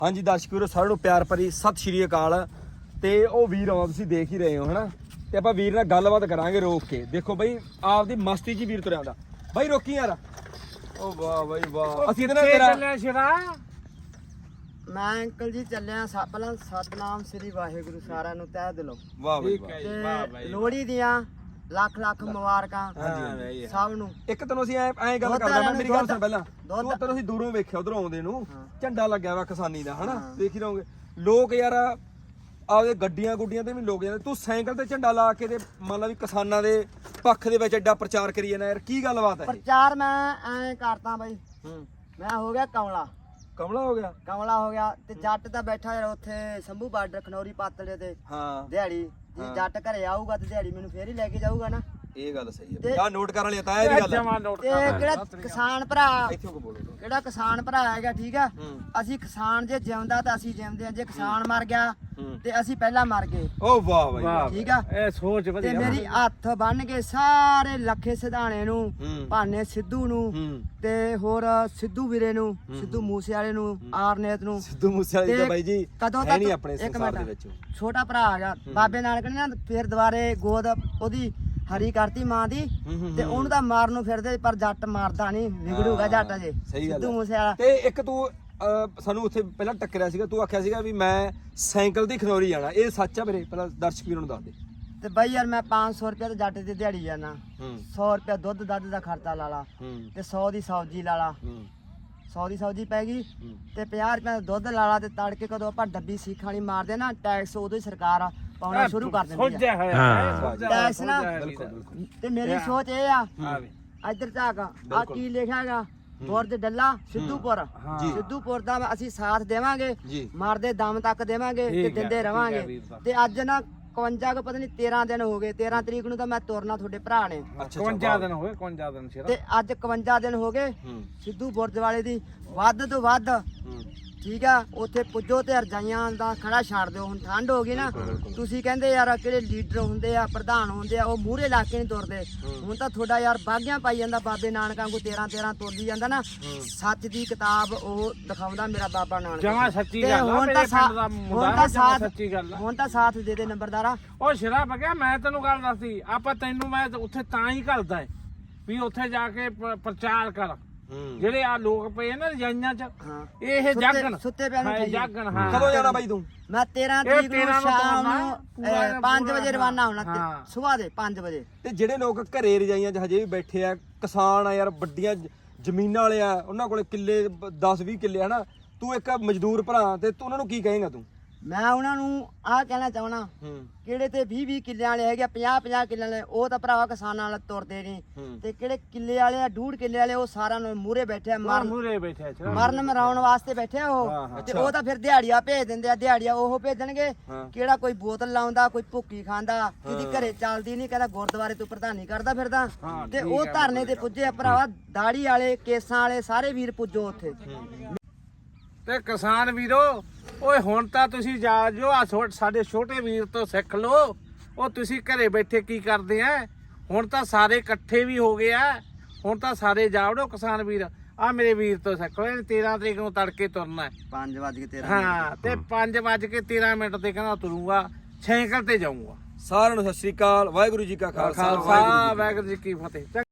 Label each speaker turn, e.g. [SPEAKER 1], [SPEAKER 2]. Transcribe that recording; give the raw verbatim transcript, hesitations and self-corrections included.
[SPEAKER 1] ਹਾਂਜੀ ਦਰਸ਼ਕ ਵੀਰੋ ਸਾਰਿਆਂ ਨੂੰ ਪਿਆਰ ਭਰੀ ਸਤਿ ਸ਼੍ਰੀ ਅਕਾਲ। ਤੇ ਉਹ ਵੀਰ ਆਉਂਦਾ ਤੁਸੀਂ ਦੇਖ ਹੀ ਰਹੇ ਹੋ ਹਨਾ, ਤੇ ਆਪਾਂ ਵੀਰ ਨਾਲ ਗੱਲਬਾਤ ਕਰਾਂਗੇ ਰੋਕ ਕੇ। ਦੇਖੋ ਬਈ ਆਪਦੀ ਮਸਤੀ 'ਚ ਹੀ ਵੀਰ ਤੁਰਿਆ ਆਉਂਦਾ। ਬਾਈ ਰੋਕੀ ਯਾਰ। ਉਹ ਵਾਹ ਬਾਈ ਵਾਹ। ਅਸੀਂ ਇਹਦੇ ਨਾਲ ਤੇਰਾ
[SPEAKER 2] ਚੱਲਿਆ ਸ਼ਿਵਾ।
[SPEAKER 3] ਮੈਂ ਅੰਕਲ ਜੀ ਚੱਲਿਆ ਪਹਿਲਾਂ ਸਤਨਾਮ ਸ੍ਰੀ ਵਾਹਿਗੁਰੂ ਸਾਰਿਆਂ ਨੂੰ ਤਹਿ ਦਿਲੋਂ।
[SPEAKER 1] ਵਾਹ ਬਾਈ
[SPEAKER 3] ਤੇ ਲੋਹੜੀ ਦੀਆਂ ਲੱਖ ਲੱਖ ਮੁਬਾਰਕਾਂ
[SPEAKER 1] ਹਾਂਜੀ
[SPEAKER 3] ਸਭ ਨੂੰ।
[SPEAKER 1] ਇੱਕ ਤੈਨੂੰ ਅਸੀਂ ਐ ਐ ਗੱਲ ਕਰਦਾ ਮੈਂ, ਮੇਰੀ ਗੱਲ ਸੁਣ ਪਹਿਲਾਂ। ਤੂੰ ਤੈਨੂੰ ਅਸੀਂ ਦੂਰੋਂ ਵੇਖਿਆ ਉਧਰੋਂ ਆਉਂਦੇ ਨੂੰ ਝੰਡਾ ਲੱਗਿਆ ਵਾ ਕਿਸਾਨੀ ਦਾ ਹਨਾ, ਦੇਖ ਹੀ ਰਹੋਗੇ ਲੋਕ ਯਾਰ ਆਪਦੇ ਗੱਡੀਆਂ ਗੁੱਡੀਆਂ ਤੇ ਵੀ ਲੋਕ ਜਾਂਦੇ, ਤੂੰ ਸਾਈਕਲ ਤੇ ਝੰਡਾ ਲਾ ਕੇ ਤੇ ਮੰਨ ਲਾ ਵੀ ਕਿਸਾਨਾਂ ਦੇ ਪੱਖ ਦੇ ਵਿੱਚ ਐਡਾ ਪ੍ਰਚਾਰ ਕਰੀ ਜਾਂਦਾ ਯਾਰ, ਕੀ ਗੱਲਬਾਤ ਹੈ?
[SPEAKER 3] ਪ੍ਰਚਾਰ ਮੈਂ ਐਂ ਕਰਦਾ ਬਾਈ, ਮੈਂ ਹੋ ਗਿਆ ਕਮਲਾ
[SPEAKER 1] ਕਮਲਾ ਹੋ ਗਿਆ
[SPEAKER 3] ਕਮਲਾ ਹੋ ਗਿਆ ਤੇ ਜੱਟ ਤਾਂ ਬੈਠਾ ਯਾਰ ਉੱਥੇ ਸੰਭੂ ਬਾਰਡਰ ਖਨੌਰੀ ਪਾਤਲੇ ਤੇ
[SPEAKER 1] ਹਾਂ
[SPEAKER 3] ਦਿਹਾੜੀ ਜੇ ਜੱਟ ਘਰੇ ਆਊਗਾ ਤੇ ਦਿਹਾੜੀ ਮੈਨੂੰ ਫੇਰ ਹੀ ਲੈ ਕੇ ਜਾਊਗਾ ਨਾ।
[SPEAKER 1] ਇਹ ਗੱਲ ਸਹੀ ਹੈ ਆ ਨੋਟ ਕਰਨ ਵਾਲੀ ਤਾਂ ਇਹ ਵੀ ਗੱਲ ਹੈ।
[SPEAKER 3] ਤੇ ਕਿਹੜਾ ਕਿਸਾਨ ਭਰਾ
[SPEAKER 1] ਇੱਥੇ ਕੋ ਬੋਲੋ
[SPEAKER 3] ਕਿਹੜਾ ਕਿਸਾਨ ਭਰਾ ਹੈਗਾ ਠੀਕ ਆ, ਅਸੀਂ ਕਿਸਾਨ ਜੇ ਜਿਉਂਦਾ ਤਾਂ ਅਸੀਂ ਜਿਉਂਦੇ ਆ, ਜੇ ਕਿਸਾਨ ਮਰ ਗਿਆ ਤੇ ਅਸੀਂ ਪਹਿਲਾਂ ਮਰ ਗਏ।
[SPEAKER 1] ਓ ਵਾਹ ਬਾਈ
[SPEAKER 3] ਠੀਕ ਆ,
[SPEAKER 2] ਇਹ ਸੋਚ ਵਧੀਆ।
[SPEAKER 3] ਤੇ ਮੇਰੀ ਹੱਥ ਬੰਨ ਕੇ ਸਾਰੇ ਲੱਖੇ ਸਿਧਾਣੇ ਨੂੰ, ਭਾਨੇ ਸਿੱਧੂ ਨੂੰ ਤੇ ਹੋਰ ਸਿੱਧੂ ਵੀਰੇ ਨੂੰ, ਸਿੱਧੂ ਮੂਸੇ ਵਾਲੇ ਨੂੰ, ਆਰਨੇਤ ਨੂੰ।
[SPEAKER 1] ਸਿੱਧੂ ਮੂਸੇ ਵਾਲੇ ਦਾ ਬਾਈ ਜੀ
[SPEAKER 3] ਕਦੋਂ
[SPEAKER 1] ਹੈ ਨਹੀਂ
[SPEAKER 3] ਤੱਕ
[SPEAKER 1] ਆਪਣੇ
[SPEAKER 3] ਇੱਕ
[SPEAKER 1] ਸੰਸਾਰ ਦੇ
[SPEAKER 3] ਮਿੰਟ
[SPEAKER 1] ਵਿੱਚ।
[SPEAKER 3] ਛੋਟਾ ਭਰਾ ਹੈਗਾ ਬਾਬੇ ਨਾਨਕ ਨੇ ਨਾ ਫਿਰ ਦੁਬਾਰੇ ਗੋਦ ਉਹਦੀ ਹਰੀ ਕਰਤੀ ਮਾਂ ਦੀ, ਤੇ ਉਹਨੂੰ ਤਾਂ ਮਾਰਨ ਨੂੰ ਫਿਰਦੇ ਪਰ ਜੱਟ ਮਾਰਦਾ ਨਹੀਂ, ਵਿਗੜੂਗਾ ਜੱਟ ਜੇ ਸਿੱਧੂ ਮੂਸੇ ਵਾਲਾ।
[SPEAKER 1] ਤੇ ਇੱਕ ਤੂੰ ਸਾਨੂੰ ਉੱਥੇ ਪਹਿਲਾਂ ਟੱਕਰਿਆ ਸੀਗਾ, ਤੂੰ ਆਖਿਆ ਸੀਗਾ ਵੀ ਮੈਂ ਸਾਈਕਲ ਦੀ ਖਨੌਰੀ ਜਾਣਾ, ਇਹ ਸੱਚ ਆ ਵੀਰੇ? ਪਹਿਲਾਂ ਦਰਸ਼ਕ ਵੀਰਾਂ ਨੂੰ ਦੱਸ ਦੇ।
[SPEAKER 3] ਤੇ ਬਾਈ ਯਾਰ ਮੈਂ ਪੰਜ ਸੌ ਰੁਪਏ ਤੇ ਜੱਟ ਦੀ ਦਿਹਾੜੀ ਜਾਣਾ, ਸੌ ਰੁਪਏ ਦੁੱਧ ਦੱਧ ਦਾ ਖਰਚਾ ਲਾ ਲਾ, ਤੇ ਸੌ ਦੀ ਸਬਜ਼ੀ ਲਾ ਲਾ, ਸੌ ਦੀ ਸਬਜ਼ੀ ਪੈ ਗਈ ਤੇ ਪੰਜਾਹ ਰੁਪਏ ਦਾ ਦੁੱਧ ਲਾ ਲਾ, ਤੇ ਤੜਕੇ ਕਦੋਂ ਆਪਾਂ ਡੱਬੀ ਸੀਖਾਂ ਵਾਲੀ ਮਾਰਦੇ ਨਾ ਟੈਕਸ, ਉਦੋਂ ਹੀ ਸਰਕਾਰ ਪਾਉਣਾ ਸ਼ੁਰੂ ਕਰ ਦਿੰਦੀ ਆ ਟੈਕਸ ਨਾ। ਤੇ ਮੇਰੀ ਸੋਚ ਇਹ ਆ, ਇੱਧਰ ਝਾਕ ਆ ਕੀ ਲਿਖਿਆਗਾ ਬੁਰਜ ਡੱਲਾ ਸਿੱਧੂਪੁਰ, ਸਿੱਧੂਪੁਰ ਦਾ ਅਸੀਂ ਸਾਥ ਦੇਵਾਂਗੇ, ਮਰਦੇ ਦਮ ਤੱਕ ਦੇਵਾਂਗੇ ਤੇ ਦਿੰਦੇ ਰਵਾਂਗੇ। ਤੇ ਅੱਜ ਨਾ ਇਕਵੰਜਾ ਕੋ ਪਤਾ ਨਹੀਂ ਤੇਰਾਂ ਦਿਨ ਹੋ ਗਏ, ਤੇਰਾਂ ਤਰੀਕ ਨੂੰ ਤਾਂ ਮੈਂ ਤੁਰਨਾ ਤੁਹਾਡੇ ਭਰਾ ਨੇ।
[SPEAKER 2] ਇਕਵੰਜਾ ਦਿਨ ਹੋਏ, ਇਕਵੰਜਾ ਦਿਨ
[SPEAKER 3] ਤੇ ਅੱਜ ਇਕਵੰਜਾ ਦਿਨ ਹੋ ਗਏ ਸਿੱਧੂ ਬੁਰਜ ਵਾਲੇ ਦੀ, ਵੱਧ ਤੋਂ ਵੱਧ ਠੀਕ ਆ ਉੱਥੇ ਪੁੱਜੋ ਤੇ ਰਜਾਈਆਂ ਦਾ ਖੜਾ ਛੱਡ ਦਿਓ। ਹੁਣ ਠੰਡ ਹੋ ਗਈ ਨਾ, ਤੁਸੀਂ ਕਹਿੰਦੇ ਯਾਰ ਕਿਹੜੇ ਲੀਡਰ ਹੁੰਦੇ ਆ, ਪ੍ਰਧਾਨ ਹੁੰਦੇ ਆ, ਉਹ ਮੂਹਰੇ ਲਾ ਕੇ ਨਹੀਂ ਤੁਰਦੇ। ਹੁਣ ਤਾਂ ਤੁਹਾਡਾ ਯਾਰ ਬਾਗੀਆਂ ਪਾਈ ਜਾਂਦਾ, ਬਾਬੇ ਨਾਨਕ ਵਾਂਗੂ ਤੇਰਾਂ ਤੇਰਾਂ ਤੁਰਦੀ ਜਾਂਦਾ ਨਾ। ਸੱਚ ਦੀ ਕਿਤਾਬ ਉਹ ਦਿਖਾਉਂਦਾ ਮੇਰਾ ਬਾਬਾ ਨਾਨਕ।
[SPEAKER 2] ਜਮਾ ਸੱਚੀ ਗੱਲ ਆ,
[SPEAKER 3] ਹੁਣ
[SPEAKER 2] ਮੇਰੇ
[SPEAKER 3] ਤਾਂ
[SPEAKER 2] ਪਿੰਡ ਦਾ ਮੁੰਡਾ
[SPEAKER 3] ਹੁਣ ਤਾਂ
[SPEAKER 2] ਜਮਾ
[SPEAKER 3] ਸਾਥ
[SPEAKER 2] ਸੱਚੀ ਗੱਲ ਆ।
[SPEAKER 3] ਹੁਣ ਤਾਂ ਸਾਥ ਦੇ ਦੇ ਨੰਬਰਦਾਰਾ।
[SPEAKER 2] ਉਹ ਸ਼ਰਾ ਬਗਿਆ ਮੈਂ ਤੈਨੂੰ ਗੱਲ ਦੱਸਦੀ, ਆਪਾਂ ਤੈਨੂੰ ਮੈਂ ਉੱਥੇ ਤਾਂ ਹੀ ਘੱਲਦਾ ਵੀ ਉੱਥੇ ਜਾ ਕੇ ਪ- ਪ੍ਰਚਾਰ ਕਰ। ਜਿਹੜੇ ਆ ਲੋਕ ਪਏ ਨਾ ਰਜਾਈਆਂ ਚ, ਇਹ ਜਾਗਣ
[SPEAKER 3] ਸੁੱਤੇ ਪਿਆ ਨੂੰ
[SPEAKER 2] ਜਾਗਣ। ਹਾਂ
[SPEAKER 1] ਕਦੋਂ ਜਾਣਾ ਬਾਈ ਤੂੰ?
[SPEAKER 3] ਮੈਂ ਤੇਰਾਂ ਤਰੀਕ ਨੂੰ ਸ਼ਾਮ ਨੂੰ ਪੰਜ ਵਜੇ ਰਵਾਨਾ ਹੋਣਾ, ਸਵੇਰ ਦੇ ਪੰਜ ਵਜੇ।
[SPEAKER 1] ਤੇ ਜਿਹੜੇ ਲੋਕ ਘਰੇ ਰਜਾਈਆਂ 'ਚ ਹਜੇ ਵੀ ਬੈਠੇ ਆ, ਕਿਸਾਨ ਆ ਯਾਰ, ਵੱਡੀਆਂ ਜ- ਜ਼ਮੀਨਾਂ ਵਾਲੇ ਆ, ਉਹਨਾਂ ਕੋਲੇ ਕਿੱਲੇ ਦਸ ਵੀਹ ਕਿੱਲੇ ਹਨਾ, ਤੂੰ ਇੱਕ ਮਜ਼ਦੂਰ ਭਰਾ ਤੇ ਤੂੰ ਉਹਨਾਂ ਨੂੰ ਕੀ ਕਹੇਂਗਾ ਤੂੰ?
[SPEAKER 3] ਮੈਂ ਉਹਨਾਂ ਨੂੰ ਆਹ ਕਹਿਣਾ ਚਾਹਣਾ, ਕਿਹੜੇ ਤੇ ਵੀਹ ਵੀਹ ਕਿੱਲੇ ਵਾਲੇ ਹੈਗੇ, ਪੰਜਾਹ ਪੰਜਾਹ ਕਿੱਲੇ ਵਾਲੇ, ਉਹ ਤਾਂ ਭਰਾਵਾ ਕਿਸਾਨਾਂ ਨਾਲ ਤੁਰਦੇ ਨਹੀਂ। ਤੇ ਕਿਹੜੇ ਕਿੱਲੇ ਵਾਲੇ ਆ, ਡੂਢ ਕਿੱਲੇ ਵਾਲੇ, ਉਹ ਸਾਰਿਆਂ ਨੂੰ ਮੂਹਰੇ ਬੈਠੇ ਆ, ਮਰਨ
[SPEAKER 2] ਮੂਰੇ ਬੈਠੇ
[SPEAKER 3] ਮਰਨ ਮਰਾਉਣ ਵਾਸਤੇ ਬੈਠੇ ਆ ਉਹ। ਤੇ ਉਹ ਤਾਂ ਫਿਰ ਦਿਹਾੜੀਆਂ ਭੇਜ ਦਿੰਦੇ ਆ, ਦਿਹਾੜੀਆਂ ਉਹ ਭੇਜਣਗੇ। ਕਿਹੜਾ ਕੋਈ ਬੋਤਲ ਲਾਉਂਦਾ, ਕੋਈ ਭੁੱਕੀ ਖਾਂਦਾ, ਕਿਹਦੀ ਘਰੇ ਚੱਲਦੀ ਨਹੀਂ, ਕਹਿੰਦਾ ਗੁਰਦੁਆਰੇ ਤੋਂ ਪ੍ਰਧਾਨੀ ਕਰਦਾ ਫਿਰਦਾ। ਤੇ ਉਹ ਧਰਨੇ ਤੇ ਪੁੱਜੇ ਆ ਭਰਾਵਾ, ਦਾੜੀ ਵਾਲੇ ਕੇਸਾਂ ਵਾਲੇ ਸਾਰੇ ਵੀਰ ਪੁੱਜੋ ਉੱਥੇ।
[SPEAKER 2] ਤੇ ਕਿਸਾਨ ਵੀਰੋ, ਓਏ ਹੁਣ ਤਾਂ ਤੁਸੀਂ ਜਾ ਜੋ ਆ ਸਾਡੇ ਛੋਟੇ ਵੀਰ ਤੋਂ ਸਿੱਖ ਲਓ। ਉਹ ਤੁਸੀਂ ਘਰੇ ਬੈਠੇ ਕੀ ਕਰਦੇ ਆ? ਹੁਣ ਤਾਂ ਸਾਰੇ ਇਕੱਠੇ ਵੀ ਹੋ ਗਏ ਆ, ਹੁਣ ਤਾਂ ਸਾਰੇ ਜਾਵੜੋ ਕਿਸਾਨ ਵੀਰ। ਆ ਮੇਰੇ ਵੀਰ ਤੋਂ ਸਿੱਖ ਲਓ, ਇਹਨੇ ਤੇਰਾਂ ਤਰੀਕ ਨੂੰ ਤੜਕੇ ਤੁਰਨਾ
[SPEAKER 3] ਪੰਜ ਵੱਜ ਕੇ ਤੇਰਾਂ
[SPEAKER 2] ਹਾਂ, ਤੇ ਪੰਜ ਵੱਜ ਕੇ ਤੇਰਾਂ ਮਿੰਟ ਤੇ ਕਹਿੰਦਾ ਤੁਰੂਗਾ, ਸਾਈਕਲ ਤੇ ਜਾਊਗਾ।
[SPEAKER 1] ਸਾਰਿਆਂ ਨੂੰ ਸਤਿ ਸ੍ਰੀ ਅਕਾਲ, ਵਾਹਿਗੁਰੂ ਜੀ ਕਾ ਖਾਲਸਾ,
[SPEAKER 2] ਖਾਲਸਾ ਵਾਹਿਗੁਰੂ ਜੀ ਕੀ ਫਤਿਹ।